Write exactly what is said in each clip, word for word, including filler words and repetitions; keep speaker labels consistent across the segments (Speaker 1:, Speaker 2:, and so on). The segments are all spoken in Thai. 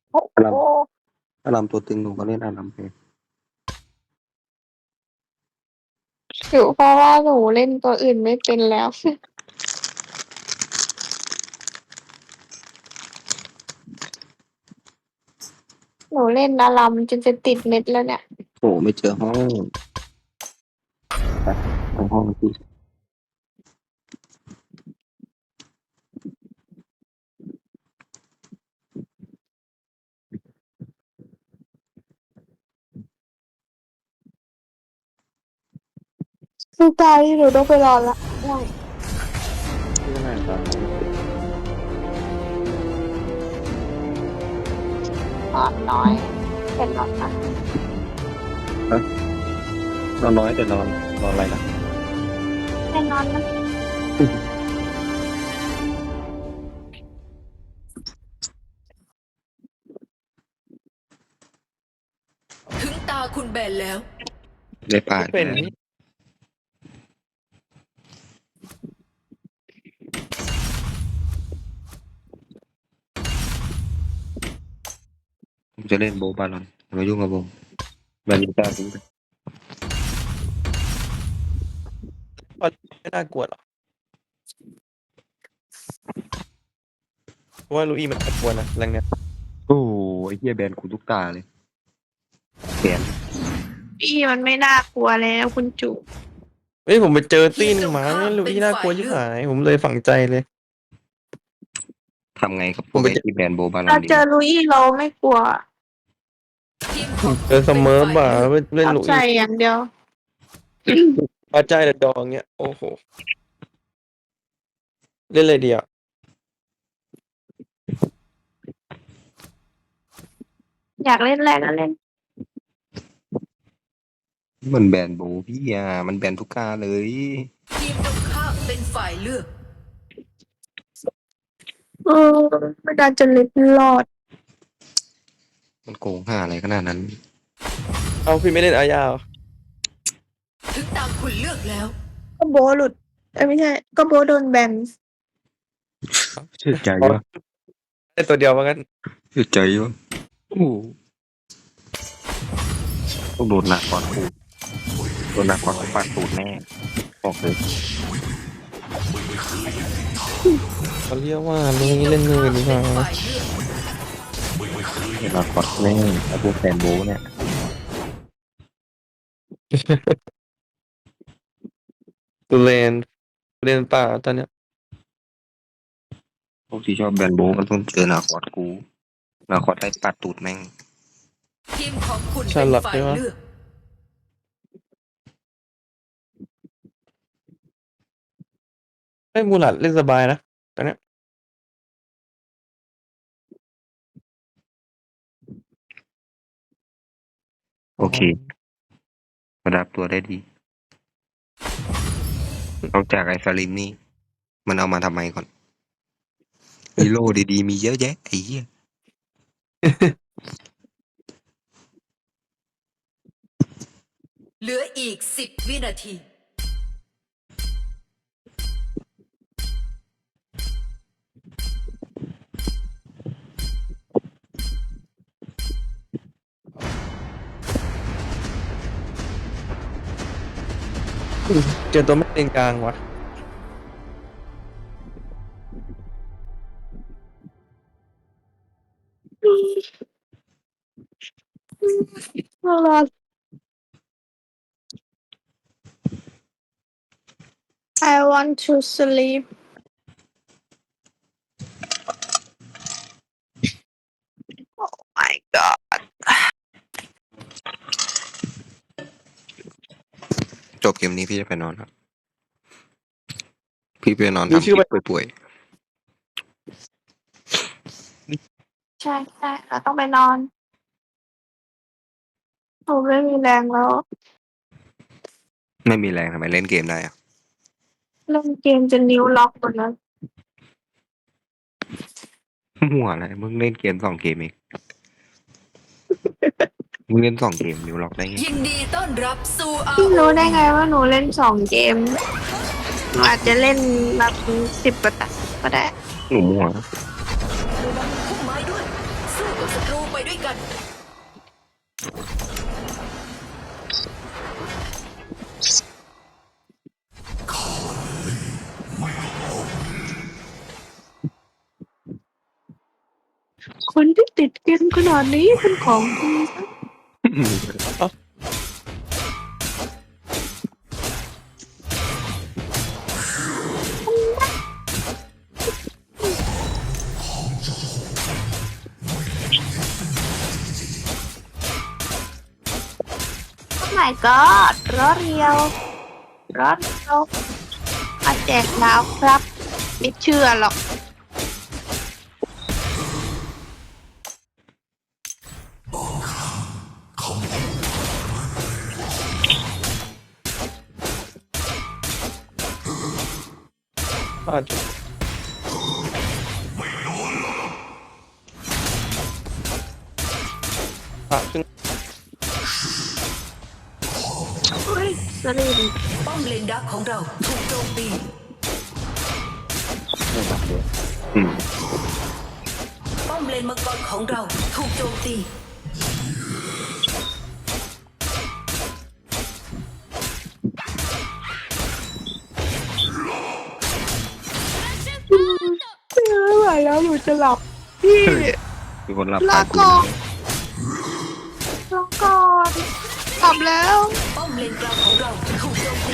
Speaker 1: โอ้
Speaker 2: อาร
Speaker 1: โห
Speaker 2: มอารมตัวตึงหนูก็เล่นอารมเป็น
Speaker 1: หรือเพราะว่าหนูเล่นตัวอื่นไม่เป็นแล้ว หนูเล่นอารัมจนจะติดเม็ดแล้วเนี่ย
Speaker 2: โอ้ไม่เจอห้องไปไปห้องที่
Speaker 1: คือตายที่หนูต้องไปรอละง่วง
Speaker 2: ที่ไหนตอนนี้
Speaker 1: นอนน้อยเป็นนอนนะ
Speaker 2: ฮะนอนน้อยแต่นอนนอนอะไรนะ
Speaker 1: เป็นนอนนะ
Speaker 3: ถึงตาคุณแบนแล้ว
Speaker 2: ได้ป่า
Speaker 4: เป็น
Speaker 2: แล้ว
Speaker 4: นี่
Speaker 2: ผมจะเล่นโบบาลอนมายุ่งกับผมแบนลูก้าทิ้งไป
Speaker 4: ไม่น่ากลัวหรอกเพราะว่าลูอี้มันน่ากลัวนะแรงเนี้ย
Speaker 2: โอ้ไอ้เหี้ยแบนกูทุกตาเลยแบน
Speaker 1: พี่มันไม่น่ากลัวแล้วคุณจุ
Speaker 4: เฮ้ยผมไปเจอตี้หนึงมาเนี่ยลูอี้น่ากลัวชิบหายผมเลยฝังใจเลย
Speaker 2: ทำไงกับพ
Speaker 4: ผมไปเจอ
Speaker 2: วกไอ้ที่แบนโบบาลอ
Speaker 1: เรา
Speaker 2: นดี
Speaker 1: เจอลุยเราไม่กลัว
Speaker 3: ทีมของ
Speaker 4: เจอเสมอบ่าเล่น
Speaker 1: เอา
Speaker 4: ลู
Speaker 1: ใจ
Speaker 4: อี้
Speaker 1: อย่างเดียว
Speaker 4: ปาใจแต่ดองเนี้ยโอ้โหเล่นเลยเดียว
Speaker 1: อยากเล่นแรกก็เล่น
Speaker 2: มันแบนโบพี่อ่ะมันแบนทุกตาเลย
Speaker 3: ทีมตรงข้ามเป็นฝ่ายเลือก
Speaker 1: เออไม่ได้จะเล็ดรอด
Speaker 2: มันโกงห่าอะไรขนาดนั้น
Speaker 4: เอาพี่ไม่เล่นอายาเหรอ
Speaker 3: ถึงตาคุณเลือกแล้ว
Speaker 1: ก็โบหลุดเอ้ยไม่ใช่ ก็โบโดนแบน
Speaker 2: เชื่อใจวะ
Speaker 4: ได้ตัวเดียวมากัน
Speaker 2: เชื่อใจวะโอ้ต้องโดนหนักก่อนกูโดนหนักก่อนกูปาดตูดแน่บอกเลย
Speaker 4: เขาเรียกว่าลูอี้เล่นมือดีกว่า
Speaker 3: ฝ่ายเลือก
Speaker 2: เห็นหนักก่อนแน่ไอ้พวกแฟนโบเนี่ย
Speaker 4: ตูเลนตูเลนป่าตอนเนี้ย
Speaker 2: พวกที่ชอบแบนโบมันต้องเจอหนาคอดกูหนาคอดได้ปาดตูดแม่ง
Speaker 3: ทีมของคุณเป็นฝ่ายเลือก
Speaker 4: ไอ้ยมูหลัดเล่นสบายนะตอนเนี้ย
Speaker 2: โอเคระดับตัวได้ดีนอกจากไอ้สลิมนี่มันเอามาทำไมก่อนฮีโร่ดีๆมีเยอะแยะไอ้เหี้ย
Speaker 3: เหลืออีกสิบวินาที
Speaker 4: เจอตัวไม่เลนกลางว่ะ
Speaker 1: รอด I want to sleep oh my god
Speaker 2: จบเกมนี้พี่จะไปนอนครับพี่ไปนอน
Speaker 4: ดู
Speaker 2: ทำค
Speaker 4: ชื่อ
Speaker 2: ลิ
Speaker 4: ว่า
Speaker 2: ปป่วย
Speaker 1: ใช่ใช่เราต้องไปนอนหนูไม่มีแรงแล้ว
Speaker 2: ๆไม่มีแรงทำไมเล่นเกมได้อะ
Speaker 1: เล่นเกมจะนิ้วล็อกหมดแล้ว
Speaker 2: มั่วอะไรมึงเล่นเกมสองเกมเองมึงเล่นสองเกมนิ้วล็อกได้ไง
Speaker 3: ยินดีต้อนรับสู่อา
Speaker 1: พี่รู้ได้ไงว่าหนูเล่นสองเกมหนูอาจจะเล่นมาสิบกว่าตาก็ได้
Speaker 2: หนูมั่ว
Speaker 3: พุ่มไม้ด้วยสู้กับศัศัตรูไปด้วยกัน
Speaker 1: คนที่ติดเกมขนาดนี้เป็นของดีซะโอ้ my god รอเรียวรอเรียวมาแจกดาวครับไม่เชื่อหรอก
Speaker 4: พลาดพลาดขึ้น
Speaker 1: เฮ้ยสลิม
Speaker 3: ป้อมเลนดักของเราถูกโจมตี
Speaker 2: อืม
Speaker 3: ป้อมเลนมังกรของเราถูกโจมตี
Speaker 1: ไม่ไหวแล้วหนูจะหลับพี่
Speaker 2: มีคนรับ
Speaker 1: ลา
Speaker 2: ปาก
Speaker 1: ก่อนลาก่อนกลับแล้ว
Speaker 3: ป้อมเลนกลางของเราถูกโจมตี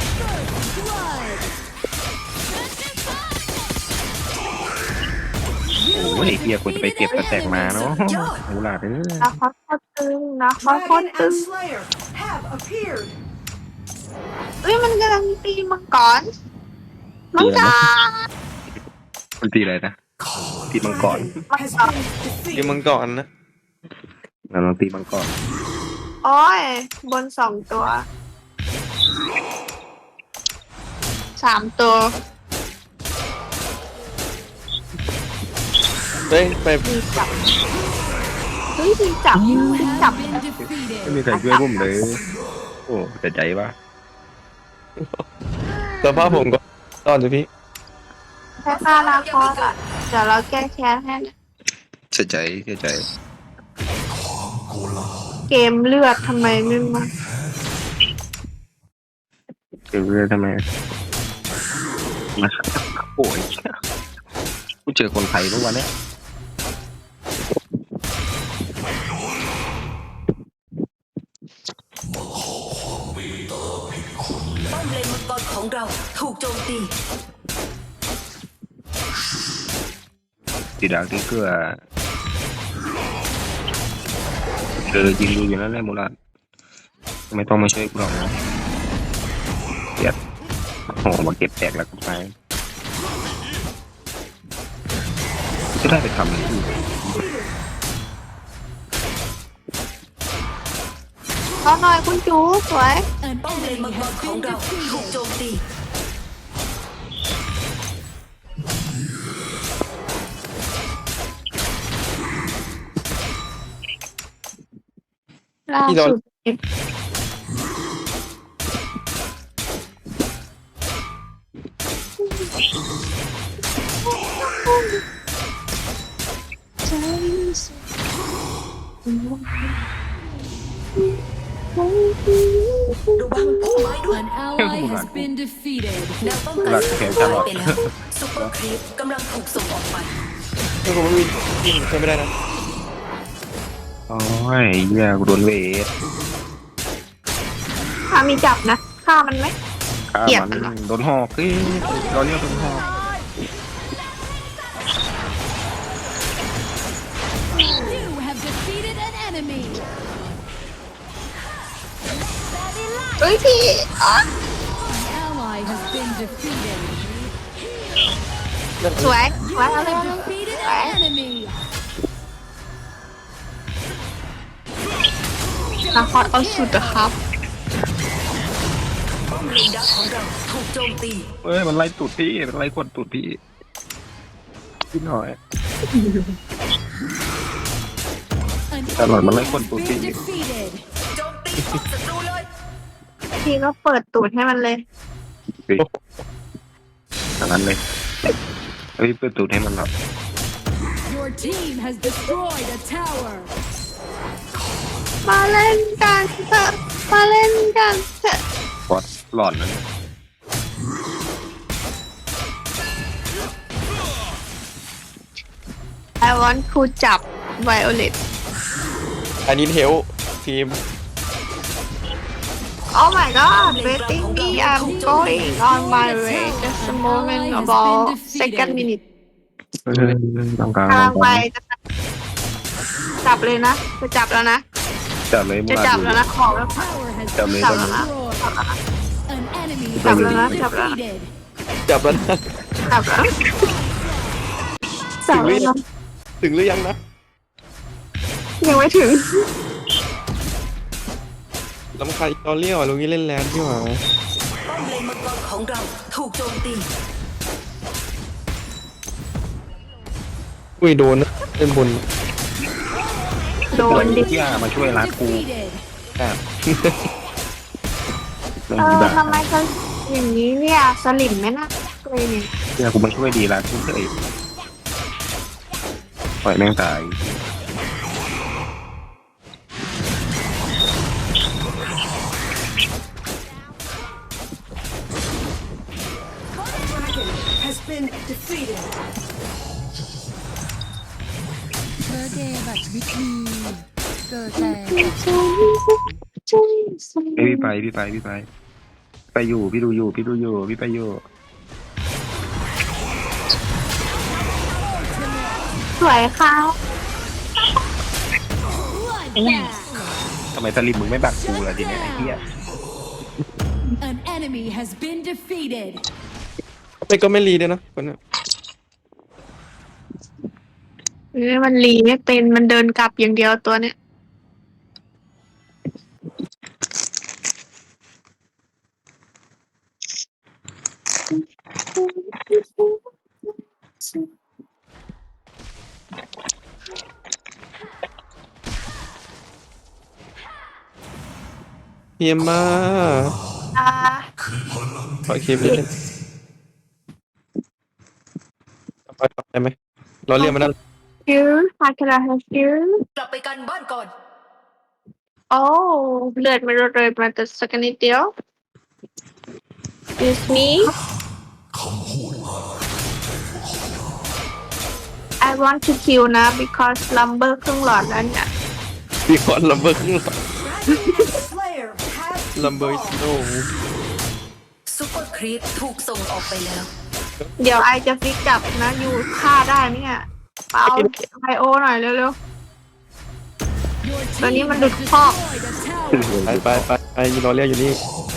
Speaker 2: โอ้ยเฮียกูจะไปเก็บกระแตกมาเนาะหูหลาดเอ้ย
Speaker 1: นะเขาโคตรตึงนะเขาโคตรตึง
Speaker 3: Slayer have appeared
Speaker 1: เฮ้ยมันกำลังตีมังกรมังกร
Speaker 2: มันตีอะไรนะตีมังกร
Speaker 1: มังกร
Speaker 4: เกมมังก่อนนะ
Speaker 2: เราลองตีมังกร
Speaker 1: โอ้ยบนสองตัวสามตัว
Speaker 4: เฮ้ยไป
Speaker 1: มีจับเฮ้ยมีจับมีจับ
Speaker 2: ไม่มีใครช่วยผมเลย โอ้แต่ใจว่า
Speaker 4: สภาพผมก็ตอนจะพี่
Speaker 1: แค่ฆ่าลาคอสอ่ะเดี๋ยวเราแก้แค้นให้นะ
Speaker 2: เสียใจเสียใจ
Speaker 1: เกมเลือดทำไมไม่มา
Speaker 2: เจอเรื่องทำไมมาโอ้ยกูเจอคนไทยเมื่อวันเนี้ย
Speaker 3: ป้อมเลนมังกรของเราถูกโจมตี
Speaker 2: ตีดาวที่เกลือเออยิงดูอยู่นั่นแหละมูลาดไม่ต้องมาช่วยกูหรอกนะเกียดโอ้มาเก็บแตกแล้วก็ไปจะได้ไปทำอะไรอีก
Speaker 1: เอาหน่อยคุณจูสวย
Speaker 3: ป้อมเลนมังกรของเราถูกโจมตี
Speaker 1: ล่าสุดเอฟใจสุด
Speaker 3: ระวังพุ่มไม้ด้วย
Speaker 5: An ally has been defeated.
Speaker 3: แนวป้องกันถูกทำลายไปแล้วซุปเปอร์ครีปกำลังถูกส่งออกไป
Speaker 4: ถ้าผมไม่มียิงช่วยไม่ได้นะ
Speaker 2: โอ้ยเหี้ยกูโดนเวท
Speaker 1: ถ้ามีจับนะฆ่ามันไหม
Speaker 2: ฆ่า
Speaker 1: เกลียด
Speaker 2: มั
Speaker 1: มันเหรอ
Speaker 2: นโดนหอกที่เราเรียกโดนหอก
Speaker 5: You have defeated an enemy.
Speaker 1: เฮ้ยพี่อ๋อ
Speaker 5: An ally has been defeated.
Speaker 1: สวยส
Speaker 5: You
Speaker 1: วยเอาเลย
Speaker 5: have defeated an enemy.
Speaker 1: นะคอเอาสุดอะครับ
Speaker 3: ป้อมเลนดักของเราถูกโจมตี
Speaker 2: เอ้ยมันไล่ตูดพี่มันไล่กดตูดพี่พี่หน่อย
Speaker 5: An
Speaker 2: Tao nói mà lấy
Speaker 5: enemy
Speaker 2: con
Speaker 5: has
Speaker 2: tụi
Speaker 5: been
Speaker 2: chị.
Speaker 5: defeated.
Speaker 3: โจมตีป้อมศัตรูเลย
Speaker 1: พี่ก็เปิดตูดให้มันเลย
Speaker 2: อย่างนั้นเลยเฮ้ยเปิดตูดให้มันหลับ
Speaker 5: Your Your team has destroyed a tower.
Speaker 1: มาเล่นกันเถอะมาเล่นกันเถอะ
Speaker 2: บอสหลอนนั่น
Speaker 1: I want to จับ Violet
Speaker 4: อันนี้เทลทีม
Speaker 1: Oh my god waiting me I'm going on my way just a moment about second minute
Speaker 2: เฮ้ยต้องกลาง
Speaker 1: กำ
Speaker 2: ต้
Speaker 1: ลั
Speaker 2: อง ง
Speaker 1: ไป
Speaker 2: กลาง
Speaker 1: จะจับเลยนะจะจับแล้วนะ
Speaker 2: จับเลยมู
Speaker 1: จะ
Speaker 2: รา
Speaker 1: จับ
Speaker 2: ดู
Speaker 1: แล้วนะขอแล้ว
Speaker 5: Tower has
Speaker 2: Chậm
Speaker 5: been
Speaker 2: đi,
Speaker 1: chậm
Speaker 5: destroyed.
Speaker 1: đi.
Speaker 5: An enemy
Speaker 1: Chậm
Speaker 5: has
Speaker 1: đi,
Speaker 5: been
Speaker 1: chậm đi.
Speaker 5: defeated.
Speaker 4: จับแล้วนะ
Speaker 1: จับแล้วจับแล้วนะ
Speaker 4: ถึงหรือยังนะ
Speaker 1: ยังไม่ถึง
Speaker 4: ลำคาญตอนเลี้ยวอ่ะลุงนี้เล่นแลนด์ที่หว่า
Speaker 3: ป้อมเลนมังกรของเราถูกโจมตี
Speaker 4: อุ้ยโดนนะเล่นบน
Speaker 1: โดนดิ
Speaker 2: ที่อามาช่วยรักกู
Speaker 5: Defeated.
Speaker 2: แอบลง
Speaker 1: เอ
Speaker 2: ดี
Speaker 1: อ
Speaker 2: แบบ
Speaker 1: ทำไมเขาอย่างนี้เนี่ยสลิมไหมนะเลยเนี่ย
Speaker 2: เนี่ยกูมาช่วยดีรักกูเฉยปล่อยแม่งตาย
Speaker 5: เธอเดบัตวิธีเกิดแต่
Speaker 2: เอ้ยพี่ไปพี่ไปพี่ไป ไปอยู่พี่ดูอยู่พี่ดูอยู่พี่ไปอยู่
Speaker 1: สวยค่ะ
Speaker 2: ทำไมสลิมมึงไม่บักกูล่ะทีเนี้ยไอ้เหี้ย
Speaker 5: An enemy has been defeated.
Speaker 4: ไม่ก็ไม่รีด้วยนะคนน่ะ
Speaker 1: เอ้ยมันรีไม่เป็นมันเดินกลับอย่างเดียวตัวเนี้ย
Speaker 4: เฮียมา
Speaker 1: อ่า
Speaker 4: ขอคลิปนิดนึงไปได้ไหมเราเรียกมันได้
Speaker 1: ฟิวฮาคาราฮาฟิว
Speaker 3: กลับไปกันบ้านก่อน
Speaker 1: โอ้เลือดมันเลยมาแต่สักนิดเดียว Excuse me I want to kill นะ because lumber ครึ่งหลอดแล้วเนี่ย
Speaker 4: ปีคอนลัมเบอร์ข้างหลังลัมเบอร์โน
Speaker 3: ซุปเปอร์ครีปถูกส่งออกไปแล้ว
Speaker 1: เดี๋ยวไอจะฟิกจับนะ อยู่ฆ่าได้ไหมเนี่ยเอาไบโอหน่อยเร็ว
Speaker 5: Your
Speaker 1: Tao nghĩ
Speaker 5: team
Speaker 1: mình
Speaker 5: has
Speaker 1: được kho.
Speaker 5: destroyed a tower.
Speaker 4: ไปไปไปไอ้รอเรียกอยู่นี่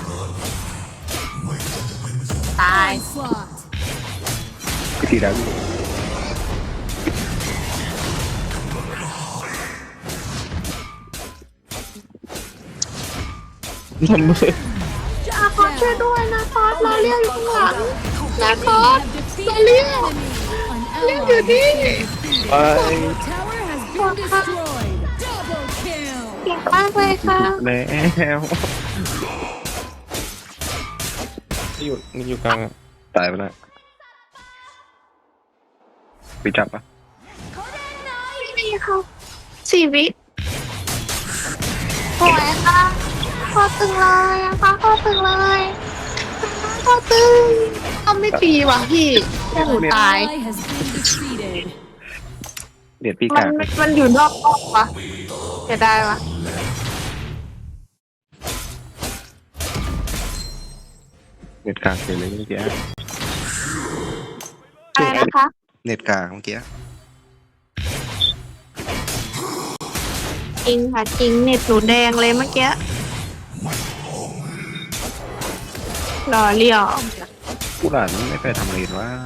Speaker 1: ๆ ตาย
Speaker 5: Onslaught.
Speaker 2: พี่ตีรัก
Speaker 4: ลัมเบอร์
Speaker 1: อาคอสช่วยด้วยนะคอสเราเรียกอยู่ข้างหลังนะคอ
Speaker 5: You
Speaker 1: ส
Speaker 5: have defeated
Speaker 1: Tao liếc.
Speaker 5: an enemy. An
Speaker 1: Liếc
Speaker 5: ally
Speaker 1: rồi
Speaker 5: has
Speaker 1: đi.
Speaker 5: been defeated.
Speaker 4: ไป
Speaker 5: Your tower has been destroyed. Double kill.
Speaker 1: เก่งมากเลยค่ะ
Speaker 2: แล้ว
Speaker 4: อยู่นี่อยู่กลางอ่ะ
Speaker 2: ตายไปแล้วไปจับปะ
Speaker 1: ไม่มีค่ะสี่วิสวยค่ะคอตึงเลยอะค่ะคอตึงเลยคอตึงทำไม่ตีว่ะพี่แค่หนูตาย
Speaker 5: Ally has been defeated.
Speaker 2: เด็ดพี่
Speaker 1: มั
Speaker 2: กาน ก
Speaker 1: มันอยู่นอกรอบวะจะได้วะ
Speaker 2: เน็ตกากเลยเลยเมื่อกี้
Speaker 1: อะไรนะคะ
Speaker 2: เน็ตกากเมื่อกี้
Speaker 1: จริงค่ะจริงเน็ตหนูแดงเลยเมื่อกี้รอเลี้ยว
Speaker 2: ผู้หลานไม่ไปทำอะไรวะ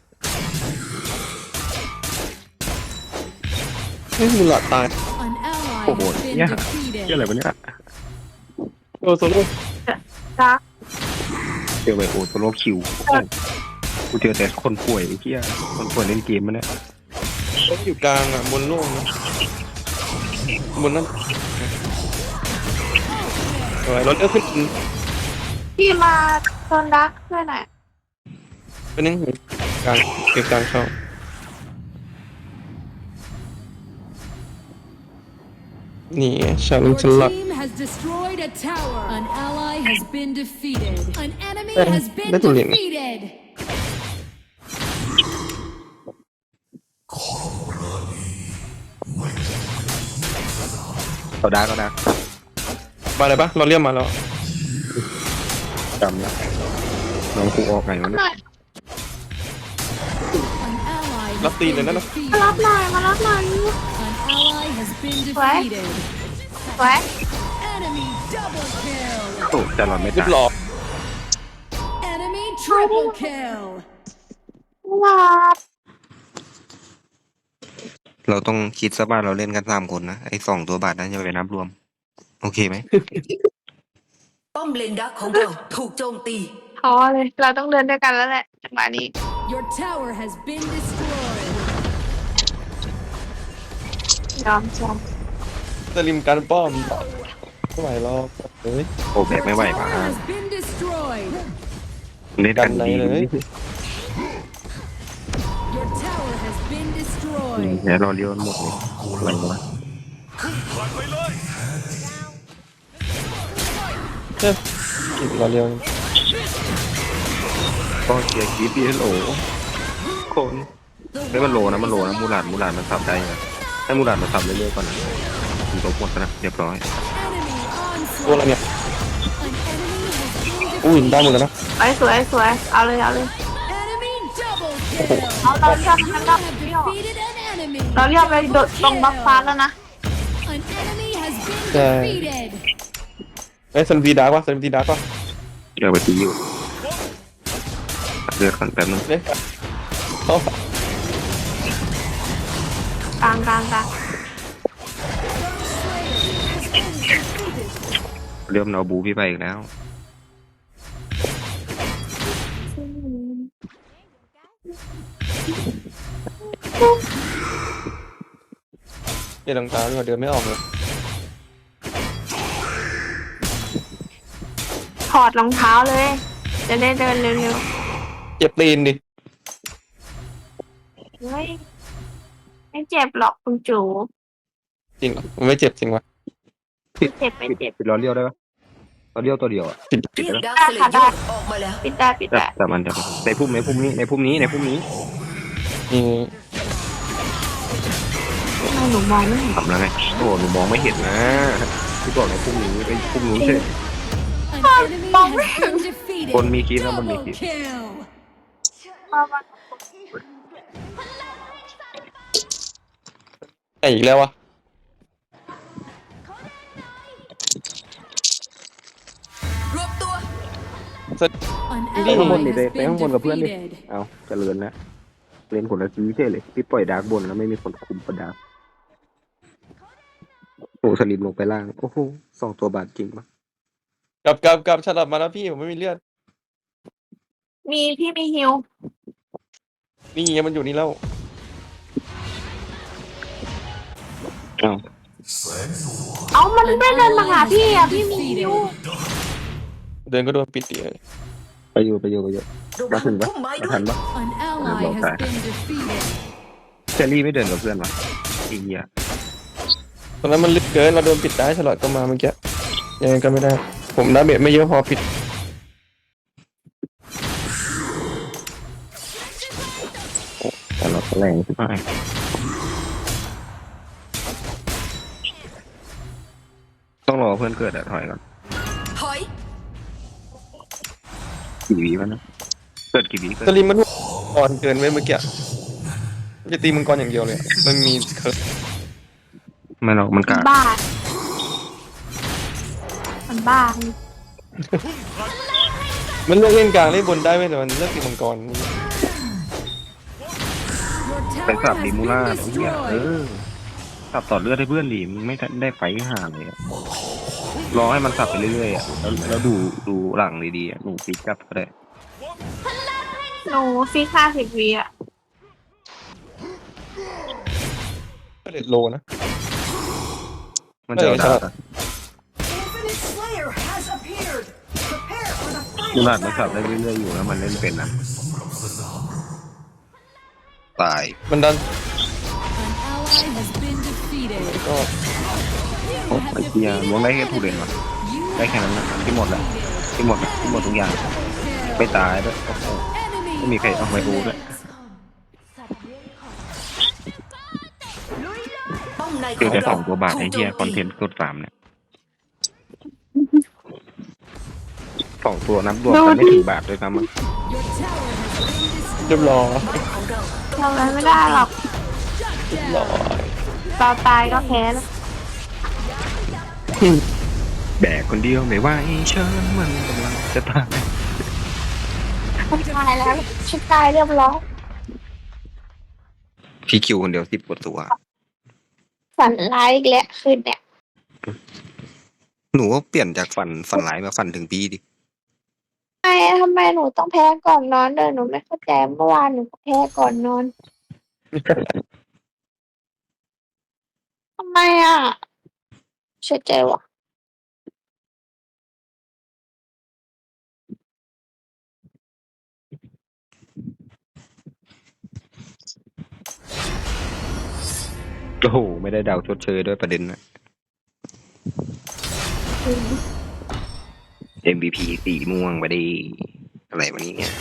Speaker 4: ให้มูลาดตาย
Speaker 5: An ally
Speaker 2: โอ้โห
Speaker 5: has been
Speaker 2: เนี่ย
Speaker 5: defeated.
Speaker 2: เกี่ยอะไรวะเนี่ย
Speaker 4: โอ้โซโล่
Speaker 1: จ้า
Speaker 2: เจอไปโอโซโลคิวโอ้โหกูเจอแต่คนป่วยไอ้เหี้ยคนป่วยเล่นเกมมันเนี่ย
Speaker 4: ต้องอยู่กลางอ่ะบนโล่งนะบนนั้นเอาไว้รถเลือกขึ้น
Speaker 1: พี่มาโซนดักด้วยหน่อย
Speaker 4: ไปนึงกลางเก็บกลางช่องนี่ไงฉัน
Speaker 5: Your
Speaker 4: ฉันหลัก
Speaker 5: team has destroyed a tower. An ally has been defeated. An enemy
Speaker 4: Eh,
Speaker 5: has been
Speaker 4: betul ini.
Speaker 5: defeated.
Speaker 2: เขาดักเขาดัก
Speaker 4: มาเลยปะเราเรียกมาแล้ว
Speaker 2: จำนะน้องกูออกไงวะเนี่ย
Speaker 5: An ally has
Speaker 4: Lắp tiền
Speaker 5: been
Speaker 4: này nó-
Speaker 1: มา
Speaker 5: defeated.
Speaker 1: รับหน่อยมารับหน่อย
Speaker 5: An ally has been
Speaker 1: What?
Speaker 5: defeated.
Speaker 1: สวย
Speaker 5: Enemy double kill.
Speaker 2: โอ้จะหลอนไม่
Speaker 4: เรีย
Speaker 2: ตาย
Speaker 4: บร้อย
Speaker 5: Enemy triple kill.
Speaker 1: รับ
Speaker 2: เราต้องคิดซะว่าเราเล่นกันสามคนนะไอ้สองตัวบาทนั้นจะไปนับรวม โอเคไหม
Speaker 3: ป้อมเลนดักของเราถูกโจมตี
Speaker 1: ท้อเลย เราต้องเดินด้วยกันแล้วแหละจังหวะนี้
Speaker 5: Your tower has been destroyed.
Speaker 1: ยอมยอม
Speaker 4: สลิมการป้อมไม่ไหวหรอกเฮ้ย
Speaker 2: โอ้แบกไม่ไหว
Speaker 5: Tower
Speaker 2: ป่ะ
Speaker 5: has been destroyed.
Speaker 2: เล่นกันดี
Speaker 4: กันไหนเลย
Speaker 5: Your tower has been destroyed.
Speaker 2: เดี๋ยวรอเลี้ยวหมดเลยอะไรวะ
Speaker 4: เฮ้ยอีกเราเร็ว
Speaker 2: ก็เกียร์คีบดีฮัลโหลคนไม่มันโลนะมันโลนะมูหลานมูหลานมันสับได้ไงให้มูหลานมันสับเรื่อยๆก่อนนะถึงตัวหมดนะเรียบร้อย
Speaker 5: Enemy
Speaker 4: ตัวอะไร
Speaker 5: onslaught.
Speaker 4: เนี่ย
Speaker 5: An enemy has been
Speaker 4: อุ้ย
Speaker 5: defeated.
Speaker 4: ได้หมดแล้วนะ
Speaker 1: สวยสวยสวยเอาเลยเอาเลย
Speaker 5: Enemy double kill.
Speaker 1: เอาเราเรียก
Speaker 5: You
Speaker 1: มันเรา
Speaker 5: have
Speaker 1: เรียก
Speaker 5: defeated an enemy.
Speaker 1: เราเรียกไปโดดตรงบัฟฟ้าแล้วนะ
Speaker 5: An enemy has been
Speaker 4: Yeah.
Speaker 5: defeated.
Speaker 4: เอ้ยซันวีดาร์กวะซันวีดาร์กวะ
Speaker 2: เดี๋ยวไปตีอยู่เลือกกันแป๊บนึง
Speaker 4: เล่นกันเข้าก
Speaker 1: ลางกลางกลาง
Speaker 2: เริ่มเอาบูพี่ไปอีกแล้ว
Speaker 4: เล่นรองเท้าดีกว่าเดินไม่ออกเลย
Speaker 1: ถอดรองเท้าเลย จะได้เดินเร็ว
Speaker 4: เจ็บตีนดิ
Speaker 1: ๆเฮ้ยไม่เจ็บหรอกคุณจู
Speaker 4: จริงเหรอมันไม่เจ็บจริงวะ
Speaker 1: ไม่เจ็บไม่เจ็บ
Speaker 2: ปิดล้อเลี้ยวได้ปะล้อเลี้ยวตัวเดียวอ่ะ
Speaker 4: ผิด
Speaker 3: เรียกดัก
Speaker 1: ได้
Speaker 3: สเล
Speaker 1: ค่ะ
Speaker 3: เย
Speaker 1: ได้
Speaker 3: อร์ออกมาแล้ว
Speaker 1: ปิดได้ปิด
Speaker 2: แต่
Speaker 1: ได้
Speaker 2: แต่มันจะในพุ่มในพุ่มนี้ในพุ่มนี้ในพุ่มนี้
Speaker 4: นี่
Speaker 1: ทำไมหนูมองไม่เห็น
Speaker 2: ทำแล้วไงโอ้หนูมองไม่เห็นนะพี่บอกในพุ่มนี้ไปพุ่มนู้นเฉย
Speaker 5: An enemy has been defeated.
Speaker 2: คนมีคีย์แล้วมันมี
Speaker 5: Double
Speaker 2: คีย์
Speaker 5: kill.
Speaker 4: ไอ้อีกแล้ววะ
Speaker 3: รวบตัว
Speaker 5: An
Speaker 2: ไปข้างบน
Speaker 5: ally
Speaker 2: นี่ไป
Speaker 5: has
Speaker 2: ไปข้างบน
Speaker 5: been
Speaker 2: กับเพื่อนดิ
Speaker 5: defeated.
Speaker 2: เอาเจริญนะเล่นคนละทีใช่เลยพี่ปล่อยดาร์กบนแล้วไม่มีคนคุมประดาร์กโอ้สลิมลงไปล่างโอ้โหสองตัวบาทจริงปะ
Speaker 4: กลับกลับกลับฉลับมาแล้วพี่ผมไม่มีเลือด
Speaker 1: มีพี่มีฮิว
Speaker 4: นี่ไงมันอยู่นี่แล้ว
Speaker 2: อ้าว
Speaker 1: เอามันไม่เดินมาหาพี่อ่ะพี่มีฮิว
Speaker 4: เดินก็โดนปิดดิเลย
Speaker 2: ไปอยู่ไปอยู่ไปอยู่
Speaker 3: ระ
Speaker 2: มา
Speaker 3: วัง
Speaker 2: ถึงปะ
Speaker 3: พุ่มไม้
Speaker 2: มา
Speaker 3: ด้ว
Speaker 2: ทั
Speaker 3: ย
Speaker 2: นปะ
Speaker 5: An ally has been defeated.
Speaker 2: เจลลี่ไม่เดินกับเพื่อนวะอีเหี้ย
Speaker 4: ตอนนั้นมันลึกเกินเราโดนปิดได้ฉลอดก็มาเมื่อกี้ยังไงก็ไม่ได้ ผมดาเมจไม่เยอะพอปิด
Speaker 2: แต่เราแรงใช่ไหมต้องรอเพื่อนเกิดอะถอยก่อน
Speaker 3: ถอย
Speaker 2: กี่วิวะนะเกิดกี่วิเกิด
Speaker 4: สลิมมันก่อนเกินไว้เมื่อกี้จะตีมังกรอย่างเดียวเลยอะมันมีเคิร์ฟ
Speaker 2: ไม่หรอกมันกาด
Speaker 1: บ้า มันบ้า
Speaker 4: มันเลือกเล่นกลางเล่นบนได้ไหมแต่มันเลือกตีมังกร
Speaker 5: Your
Speaker 2: ไป
Speaker 5: tower
Speaker 2: สับ
Speaker 5: has
Speaker 2: ดี
Speaker 5: been
Speaker 2: มูล่าไอ้เหี้ยเอ
Speaker 5: destroyed.
Speaker 2: อสับต่อเลือดให้เพื่อนดิมึงไม่ได้ไฟห่าเลยอะรอให้มันสับไปเรื่อยๆอะแล้วแล้วดูดูหลังดีๆอะหนูฟิกกลับก็ได้
Speaker 1: หนูฟิกห้าสิบวีอ่ะ
Speaker 4: ก็เด็ดโลนะ
Speaker 2: มันจะเอาดาบอะ
Speaker 3: Infinite Slayer has appeared. Prepare for the
Speaker 2: มู
Speaker 3: final
Speaker 2: ลาดมันสับได้เรื่อยๆอยู่แล้วมันเล่นเป็นนะตาย
Speaker 4: มันดัน
Speaker 5: An ally has been defeated.
Speaker 4: ก็
Speaker 2: ไอ้เหี้ยล้วงได้แค่ทุเรนวะได้แค่นั้นนะที่หมดแหละที่หมดอะที่หมดทุกอย่างไม่ตายด้วยโอ้โหไม่มีใครเอาไปดูด้วย
Speaker 3: ป้อมในข
Speaker 2: เจอ
Speaker 3: อง
Speaker 2: แต่ส
Speaker 3: เรา
Speaker 2: องตัวบาทไอ้
Speaker 3: ถูกโจ
Speaker 2: เหี้ย
Speaker 3: ม
Speaker 2: คอนเท
Speaker 3: ตี
Speaker 2: นต์กดสามเนี่ยสองตัวนับรวมกันไม่ถึงบาทด้วยซ้ำมั้ง
Speaker 5: Your tower has been destroyed.
Speaker 4: เรียบร้อย
Speaker 3: ของเรา
Speaker 1: ทำอะไรไม่ได้หรอก
Speaker 4: เรียบร้อย
Speaker 1: ตาตายก็แพ้แล้ว
Speaker 2: แบกคนเดียวไม่ไหวเชิญมันกำลังจะตาย
Speaker 1: ฉันตายแล้วฉันตายเรียบร้อย
Speaker 2: พี่คิวคนเดียวสิบกว่าตัว
Speaker 1: ฝันร้ายอีกแล้วคืนเนี่ย
Speaker 2: หนูก็เปลี่ยนจากฝันฝันร้ายมาฝันถึงพี่ดิ
Speaker 1: ทำไมทำไมหนูต้องแพ้ก่อนนอนเดินหนูไม่เข้าใจเมื่อวานหนูก็แพ้ก่อนนอนทำไมอ่ะเสียใจว่ะ
Speaker 2: โอ้โหไม่ได้ดาวชดเชยด้วยประเด็นนะ เอ็ม วี พี สีม่วงไปดิอะไรวันนี้เนี่ย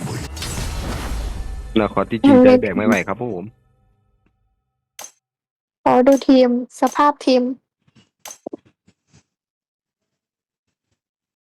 Speaker 2: นาคอที่จริงใจแบกไม่ไหวครับผม
Speaker 1: ขอดูทีมสภาพทีม